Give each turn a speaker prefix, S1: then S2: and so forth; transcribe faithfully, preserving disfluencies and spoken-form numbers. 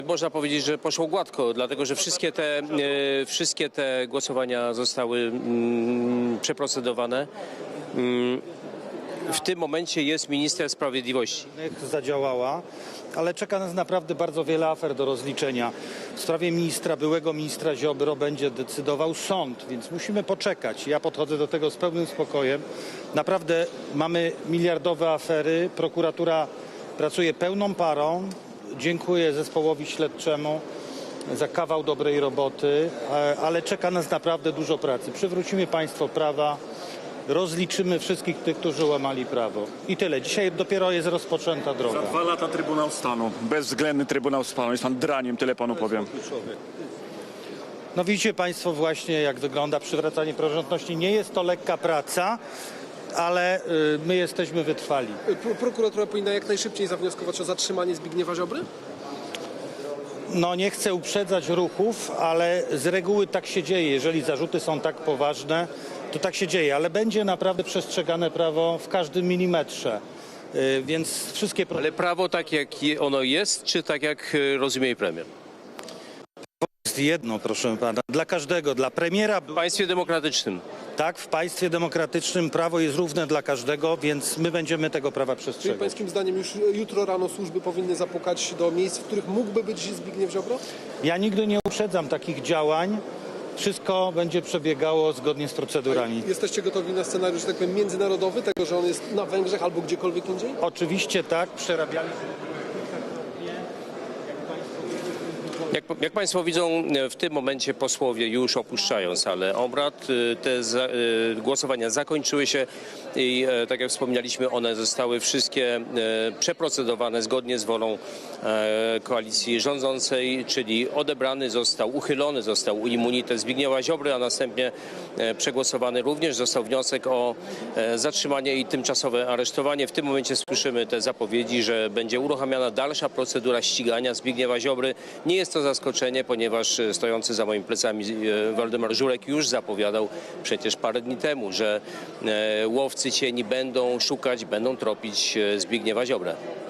S1: Można powiedzieć, że poszło gładko, dlatego że wszystkie te, e, wszystkie te głosowania zostały mm, przeprocedowane. Mm, w tym momencie jest minister sprawiedliwości.
S2: Zadziałała, ale czeka nas naprawdę bardzo wiele afer do rozliczenia. W sprawie ministra, byłego ministra Ziobro będzie decydował sąd, więc musimy poczekać. Ja podchodzę do tego z pełnym spokojem. Naprawdę mamy miliardowe afery, prokuratura pracuje pełną parą. Dziękuję zespołowi śledczemu za kawał dobrej roboty, ale czeka nas naprawdę dużo pracy. Przywrócimy państwo prawa, rozliczymy wszystkich tych, którzy łamali prawo. I tyle. Dzisiaj dopiero jest rozpoczęta droga.
S3: Za dwa lata Trybunał Stanu, bezwzględny Trybunał Stanu. Jest pan draniem, tyle panu powiem.
S2: No widzicie państwo właśnie, jak wygląda przywracanie praworządności. Nie jest to lekka praca, ale y, my jesteśmy wytrwali.
S4: Pro- Prokuratura powinna jak najszybciej zawnioskować o zatrzymanie Zbigniewa Ziobry?
S2: No nie chcę uprzedzać ruchów, ale z reguły tak się dzieje. Jeżeli zarzuty są tak poważne, to tak się dzieje, ale będzie naprawdę przestrzegane prawo w każdym milimetrze. Y, więc wszystkie... pro-
S1: Ale prawo tak jak je- ono jest, czy tak jak e, rozumie jej premier?
S2: jest jedno, proszę pana, dla każdego, dla premiera.
S1: W państwie demokratycznym.
S2: Tak, w państwie demokratycznym prawo jest równe dla każdego, więc my będziemy tego prawa
S4: Czyli
S2: przestrzegać.
S4: pańskim zdaniem już jutro rano służby powinny zapukać do miejsc, w których mógłby być Zbigniew Ziobro?
S2: Ja nigdy nie uprzedzam takich działań. Wszystko będzie przebiegało zgodnie z procedurami.
S4: Jesteście gotowi na scenariusz, że tak powiem, międzynarodowy, tego, że on jest na Węgrzech albo gdziekolwiek indziej?
S2: Oczywiście tak, przerabialiśmy.
S1: Jak, jak Państwo widzą, w tym momencie posłowie już opuszczają salę obrad. Te za, y, głosowania zakończyły się i e, tak jak wspomnieliśmy, one zostały wszystkie e, przeprocedowane zgodnie z wolą e, koalicji rządzącej, czyli odebrany został, uchylony został immunitet Zbigniewa Ziobry, a następnie e, przegłosowany również został wniosek o e, zatrzymanie i tymczasowe aresztowanie. W tym momencie słyszymy te zapowiedzi, że będzie uruchamiana dalsza procedura ścigania Zbigniewa Ziobry. Nie jest to zaskoczenie, ponieważ stojący za moimi plecami e, Waldemar Żurek już zapowiadał przecież parę dni temu, że e, łowcy cieni będą szukać, będą tropić e, Zbigniewa Ziobrę.